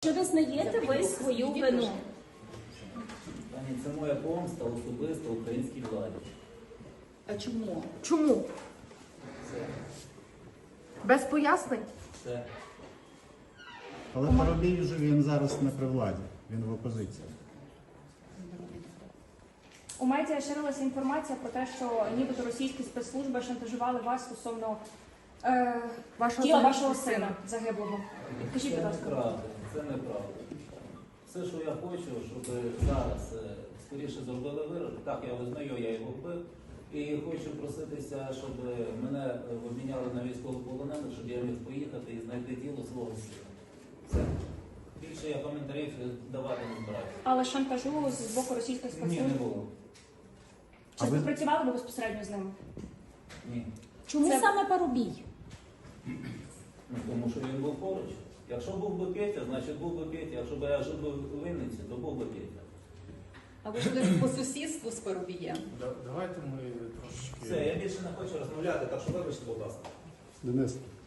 Чи визнаєте ви свою вину? Пані, це моя помста особисто українській владі. А чому? Чому? Все. Без пояснень? Все. Але Парубій вже він зараз не при владі, він в опозиції. У медіа ширилася інформація про те, що нібито російські спецслужби шантажували вас стосовно тіла вашого сина загиблого. Скажіть, будь Це ласка. неправда. Це неправда. Все, що я хочу, щоб зараз скоріше зробили вирок. Так, я визнаю, я його вбив. І хочу проситися, щоб мене обміняли на військовополонених, щоб я міг поїхати і знайти тіло свого сина. Все. Більше я коментарів давати не збираюся. Але шантажу з боку російських Ні, спецслужб. не було. Чи співпрацювали ви безпосередньо з ними? Ні. Чому Це- саме Парубій? Ну, тому що він був поруч. Якщо був би Петя, значить був би Петя. Якщо б я жив би в Вінниці, то був би Петя. А ви жили по сусідству з Парубієм? Давайте ми трошечки. Все, я більше не хочу розмовляти, так що вибачте, будь ласка. Денис,